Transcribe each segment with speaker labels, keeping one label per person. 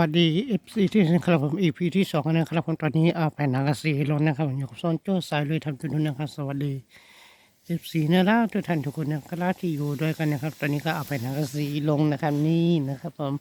Speaker 1: วัสดี FC ที่นะครับผม EP ที่2นะครับผมตอนนี้แผ่นหนังกระสีลงนะครับผมอยู่กับซ่อนโจ้สายลุยทำจุดนู้นนะครับสวัสดี FC นะครับทุกท่านทุกคนนะครับที่อยู่ด้วยกันนะครับตอนนี้ก็เอาแผ่นหนังกระสีลงนะครับนี่นะครับผม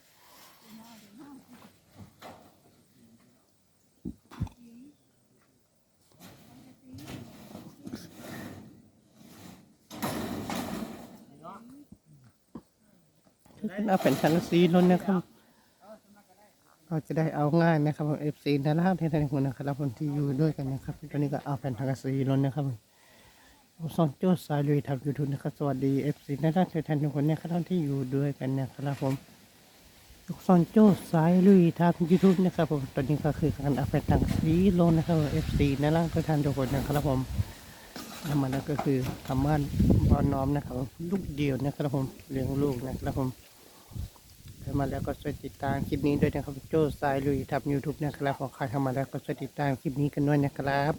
Speaker 1: เอาแผ่นหนังกระสีลงนะครับเราจะได้เอาง่ายนะครับผม FC นะครับที่ท่านทุกคนนะครับผมที่อยู่ด้วยกันนะครับตอนนี้ก็เอาแผ่นหนังกระสีลงนะครับซอนโจ้สายลุยทำยูทูบนะครับสวัสดี FC นะครับทุกท่านทุกคนนะครับที่อยู่ด้วยกันนะครับผมซอนโจ้สายลุยทำยูทูบนะครับผมตอนนี้ก็คือการอัปเดตทางสีลงนะครับ FC นะครับทุกท่านทุกคนนะครับผมทำมาแล้วก็คือทำบ้านบ่อน้อมนะครับลูกเดียวนะครับผมเลี้ยงลูกนะครับผมทำมาแล้วก็ช่วยติดตามคลิปนี้ด้วยนะครับโจ้สายลุยทำยูทูบนะครับของใครทำมาแล้วก็ช่วยติดตามคลิปนี้กันด้วยนะครับ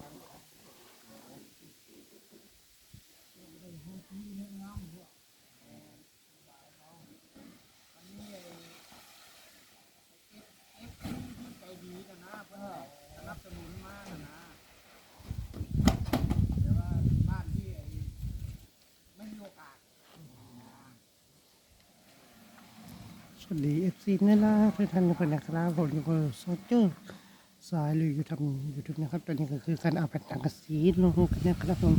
Speaker 1: สวัสดี FC นะครับทุกท่านทุกคนนะครับผมอยู่กับโซเจอร์สายลุยอยู่ทำยูทูบนะครับตอนนี้ก็คือการเอาแผ่นสังกะสีลงกันนะครับผม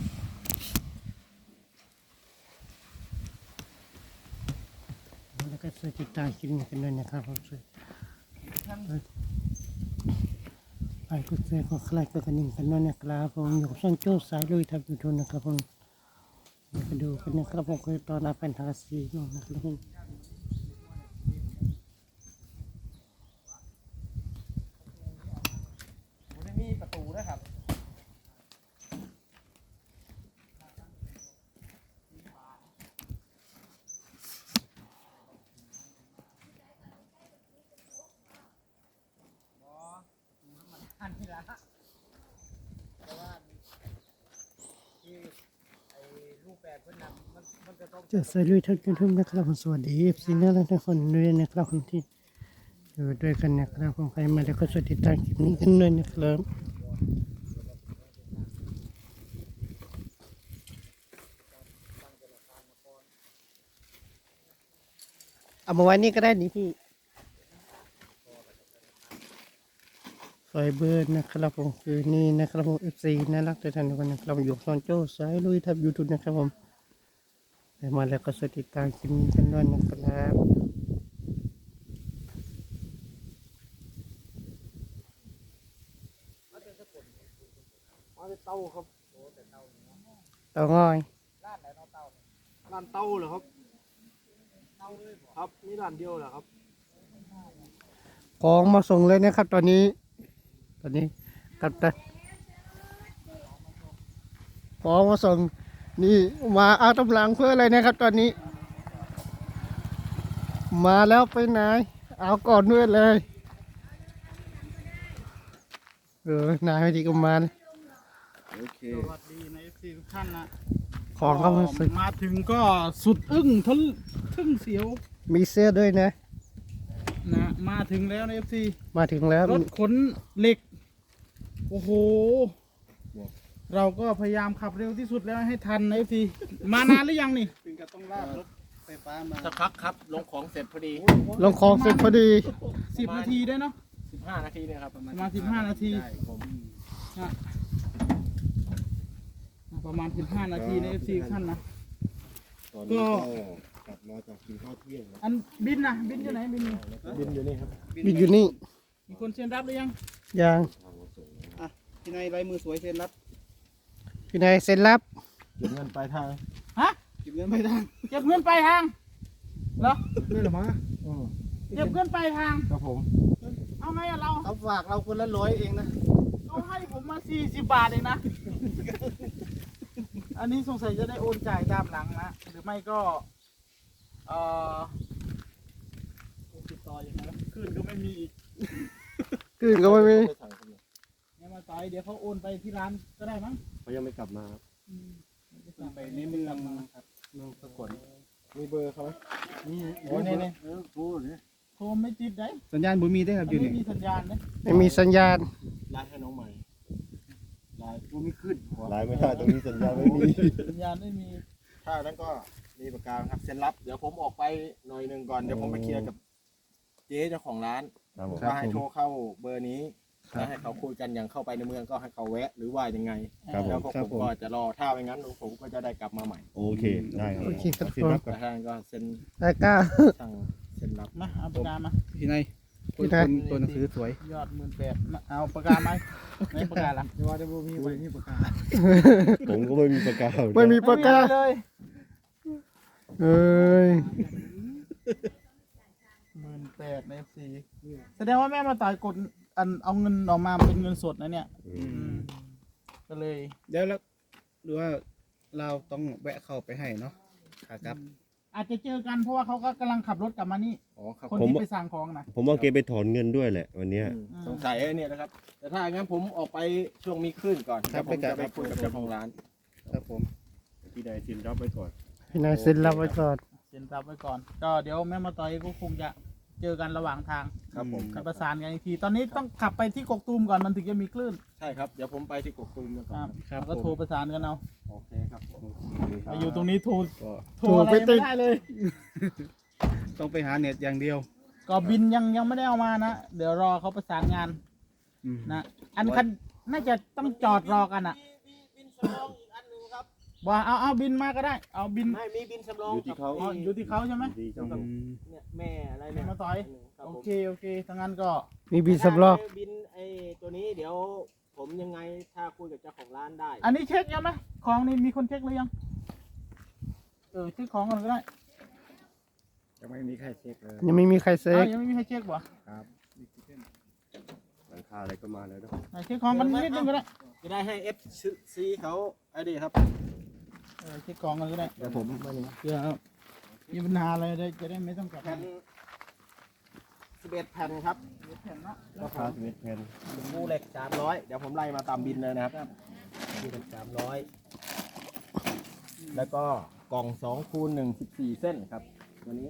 Speaker 1: แล้วก็ช่วยติดตามคลิปนี้กันด้วยนะครับผมช่วยไปกดแชร์กดไลค์กดกระดิ่งกันด้วยนะครับผมอยู่กับโซเจอร์สายลุยทำยูทูบนะครับผมมาดูกันนะครับผมคือตอนเอาแผ่นสังกะสีลงนะครับผม
Speaker 2: มีประตูด้วยครับอันนี้ละแต่ว่าที่ไอ้รูปแบบเพื่อนนำมันจะต้อง
Speaker 1: เจอสายลุยทำยูทูบนะครับผมสวัสดี FC นะครับทุกคนด้วยนะครับผมที่อยู่ด้วยกันนะครับผมใครมาแล้วก็ช่วยติดตามคลิปนี้กันด้วยนะครับเอามาไว้นี่ก็ได้นี่พี่ไฟเบอร์นะครับผมคือนี่นะครับผม FC น่ารักทุกท่านทุกคนนะครับอยู่ซอนโจ้สายลุยทำยูทูบนะครับผมใครมาแล้วก็ช่วยติดตามคลิปนี้กันด้วยนะครับ
Speaker 2: มาเป็นเต้าครับ
Speaker 1: เต่างอย
Speaker 2: ร้านไหนเนาะเต้าร้านเต้าเหรอครับเต้าเลยครับมีร้านเดียวเหรอครับ
Speaker 1: ของมาส่งเลยนะครับตอนนี้กับตันของมาส่งนี่มาเอาตำลังเพื่ออะไรนะครับตอนนี้มาแล้วไปไหนเอาก่อนด้วยเลยนายไม่ดีก็มาเลย
Speaker 2: โอเคสวัสดีใน FC ทุกท่านนะ
Speaker 1: ของเข้ามาส่ง
Speaker 2: มาถึงก็สุดอึ้งทึ่งเสียว
Speaker 1: มีเสื้อด้วยนะ
Speaker 2: นะมาถึงแล้วใน FC
Speaker 1: มาถึงแล้ว
Speaker 2: รถขนเหล็กโอ้โหเราก็พยายามขับเร็วที่สุดแล้วให้ทันใน FC มานานหรือยังนี่ถึงกับต้องลากรถไฟฟ้ามาสักพักครับลงของเสร็จพอดี
Speaker 1: ลงของเสร็จพอดี
Speaker 2: 10 นาทีได้เนาะ
Speaker 3: 15 นาทีเนี่ยครับประมาณ
Speaker 2: 15 นาที
Speaker 3: ใช่ผม
Speaker 2: นะประมาณ15 นาทีใน FC ทุกท่านนะ
Speaker 3: ตอนนี้ก็กลับมาจากกินข้าวเที่ยงแล้ว
Speaker 2: อันบินนะบินอยู่ไหนบินอยู่
Speaker 3: บินอยู่นี่ครับ
Speaker 1: มีอยู่นี่
Speaker 2: มีคนเซ็นรับหรือยัง
Speaker 1: ยัง
Speaker 2: อ่ะพี่นายลายมือสวยเซ็นรับ
Speaker 1: พี่นายเซ็นรับ
Speaker 3: เก็บเงินปลายทาง
Speaker 2: ฮะเก็บเงินไปทางเก็บเงินไปทางเหรอ
Speaker 3: นี่เหรอมะ
Speaker 2: เก็บเงินไปทาง
Speaker 3: ครับผม
Speaker 2: เอาไงอะเรา
Speaker 3: เขาฝากเราคนละ100เองนะ
Speaker 2: เขาให้ผมมา40 บาทเองนะ อันนี้สงสัยจะได้โอนจ่ายตามหลังนะหรือไม่ก็เอ่อติดต่ออย่างไรคืนก็ไม่มีอีก
Speaker 1: คืนก็ไม่มี
Speaker 2: เนี่ยมาต่อยเดี๋ยวเขาโอนไปที่ร้านก็ได้มั้ง
Speaker 3: เขายังไม่กลับมาครับ
Speaker 2: ไปในเมืองนะครับ
Speaker 3: เมืองสกลมีเบอร์เขาไหม
Speaker 2: นี่โอ้เนี่ย
Speaker 3: พูดเนี่ย
Speaker 2: โทรไม่ติดได้
Speaker 4: สัญญาณบุมีได้ครับอยู่
Speaker 2: ไม่
Speaker 4: นี่
Speaker 2: มีสัญญาณนะ
Speaker 1: ไม่มีสัญญาณ
Speaker 3: ไลน์ให้น้องใหม่
Speaker 4: ไลน์บุมีขึ้น
Speaker 3: ไลน์ไม่ได้ตรงนี้สัญญาณไม่มี
Speaker 2: สัญญาณไม่มี
Speaker 3: ถ้านั้นก็มีประกาศครับเซ็นรับ เดี๋ยวผมออกไปหน่อยหนึ่งก่อน เดี๋ยวผมไปเคลียร์กับเจ๊เจ้าของร้านว่าให้โทรเข้าเบอร์นี้แล้วให้เขาคุยกันอย่างเข้าไปในเมืองก็ให้เขาแวะ หรือว่ายังไง แล้วก็ผมก็จะรอถ้าไม่งั้นผมก็จะได้กลับมาใหม่
Speaker 5: โอเค ได้ครับ
Speaker 1: โอเคครับ
Speaker 5: สิรับ
Speaker 3: แต่ท่านก็เซ็น
Speaker 1: ได้ก้า
Speaker 3: สั่งเซ็นรับ
Speaker 2: มาเอาปากกามา
Speaker 4: ที่ไหน
Speaker 1: ที่ไหน
Speaker 4: ตัวหนังสือสวย
Speaker 2: ยอด18,000เอาปากกาไหมไหนปากกาล่ะ
Speaker 4: เดี๋ยวว่าจะบุมีไว้นี่ปากกา
Speaker 5: ผมก็ไม่มีประกาศ
Speaker 1: ไม่มีปากกา
Speaker 2: เลย
Speaker 1: เอ้ย
Speaker 2: 18,000ใน FC แสดงว่าแม่มาต่อยกดอันเอาเงินออกมาเป็นเงินสดนะเนี่ยก็เลย
Speaker 4: เดี๋ยวแล้วหรือว่าเราต้องแวะเข้าไปให้เนาะขากลับ
Speaker 2: อาจจะเจอกันเพราะว่าเขาก็กำลังขับรถกลับมานี่
Speaker 3: อ๋อครับ
Speaker 2: คนที่ไปสั่งของนะ
Speaker 5: ผมว่าแกไปถอนเงินด้วยแหละวันเนี้ย
Speaker 3: สงสัยไอ้เนี่ยนะครับ แต่ถ้างั้นผมออกไปช่วงมีคลื่นก่อน
Speaker 4: ครับ
Speaker 3: แล้วผมจะไปคุยกับเจ้าของร้าน
Speaker 4: ครับผม
Speaker 5: พี่นายสินรับไว้ก่อน
Speaker 1: พี่นายเซ็นรับไว้ก่อน
Speaker 2: เซ็นรับไว้ก่อน ก็เดี๋ยวแม่มาต่อยก็คงจะเจอกันระหว่างทาง
Speaker 3: ครับผม
Speaker 2: จะประสานกันอีกที ตอนนี้ต้องขับไปที่กกตูมก่อนมันถึงจะมีคลื่น
Speaker 3: ใช่ครับ เดี๋ยวผมไปที่กกตูมก่อน
Speaker 2: ครับแล้วก็โทรประสานกันเอา
Speaker 3: โอเคครับผม
Speaker 2: มาอยู่ตรงนี้โทร
Speaker 4: ก็
Speaker 2: โทรอะไรไม่ได้เลย
Speaker 4: ต้องไปหาเน็ตอย่างเดียว
Speaker 2: ก็บินยังไม่ได้เอามานะ เดี๋ยวรอเขาประสานงาน
Speaker 4: อืม
Speaker 2: นะอันคันน่าจะต้องจอดรอกันอ่ะว่าเอาบินมาก็ได้ เอาบิน
Speaker 3: ไม่มีบินสำรอง
Speaker 5: อยู่ที่เขา
Speaker 2: อ๋ออยู่ที่เขาใช่ไหม
Speaker 5: ดีจัง
Speaker 4: อืม
Speaker 3: เนี่ยแม่อะไร
Speaker 2: แม่
Speaker 3: เนี่ย
Speaker 2: มาต่อย
Speaker 3: ครับ
Speaker 2: โอ
Speaker 3: ผม
Speaker 2: เคถ้างั้นก็
Speaker 1: มีบินสำรอง
Speaker 3: บินไอ้ตัวนี้เดี๋ยวผมยังไงถ้าคุยกับเจ้าของร้านได้
Speaker 2: อันนี้เช็คยังไหมของนี่มีคนเช็คหรือยังเช็คของกันก็ได้
Speaker 4: ยังไม่มีใครเช็คเลย
Speaker 1: ยังไม่มีใครเซ็
Speaker 2: อ้าน วยังไม่มีใครเช็คบ่
Speaker 4: ครับ
Speaker 5: หลังคาอะไรก็มาแล้วเนอะ
Speaker 2: เช็คของกันนิดนึงก็ได้
Speaker 3: จะได้ให้ FC เขาไอ้ดีครับ
Speaker 2: เช็คของกันก็ได้
Speaker 3: เดี๋ยวผมมานี่
Speaker 2: เพื่อมีปัญหาอะไรจะได้ไม่ต้องกลับ
Speaker 3: แผ่น11แผ่นครับ
Speaker 2: แผ่นเนาะ
Speaker 5: ราคา11แผ่น
Speaker 3: คู่เหล็ก300เดี๋ยวผมไล่มาตามบินเลยนะครับคู่เหล็ก300แล้วก็กล่อง2คูณ1 14เส้นครับตัวนี้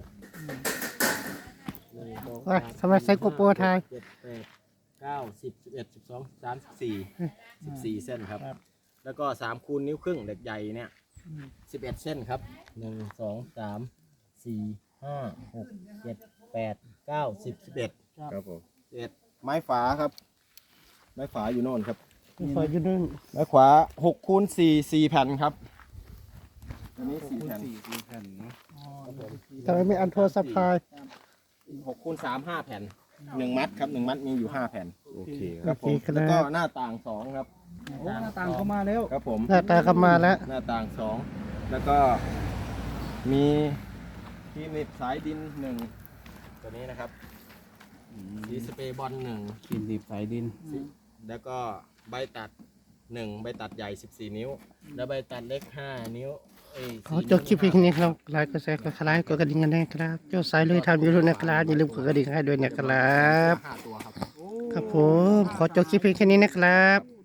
Speaker 3: 1 2
Speaker 1: เอ้ยทำไมใส่โกโปรไทย
Speaker 3: 7 8 9 10 11 12 13 14เส้นครับ แล้วก็3คูณนิ้วครึ่งเหล็กใหญ่เนี่ย11เส้นครับ1 2 3 4 5 6 7 8 9 10 11
Speaker 5: ครับผม
Speaker 3: 11ไม้ฝาครับ ไม้ฝาอยู่โน่นครับ
Speaker 1: ไฟอยู่นู่น
Speaker 3: ไม้ขวา6คูณ4 4แผ่นครับอันนี้4แผ่น
Speaker 4: 4แผ่นเนาะ
Speaker 1: ทำไมไม่อันโทรศัพท์พาย
Speaker 3: 6คูณ3 5แผ่น1มัดครับ1มัดมีอยู่5แผ่น
Speaker 5: โอเคค
Speaker 3: ครับ รับผมแล้วก็หน้าต่าง2ครับ
Speaker 4: โอ้หน้าต่างเข้ามาแล้ว
Speaker 3: ครับผม
Speaker 1: หน้าตาเข้ามาแล้ว
Speaker 3: หน้าต่าง2แล้วก็มีที่หนีบสายดิน1ตัวนี้นะครับสีสเปรย์บอล1
Speaker 4: กินดิบสายดิน
Speaker 3: แล้วก็ใบตัด1ใบตัดใหญ่ 14 นิ้ว แล้วใบตัดเล็ก 5 นิ้ว
Speaker 1: ขอจบคลิปเพียงนี้ครับไลค์ก็แชร์ก็คล้ายกดกระดิ่งกันนะครับเจ้าสายลุยทำยูทูบนะครับอย่าลืมกดกระดิ่งให้ด้วยนะครับ
Speaker 3: 5 ตัวครับ
Speaker 1: ครับผมขอจบคลิปเพียงแค่นี้นะครับ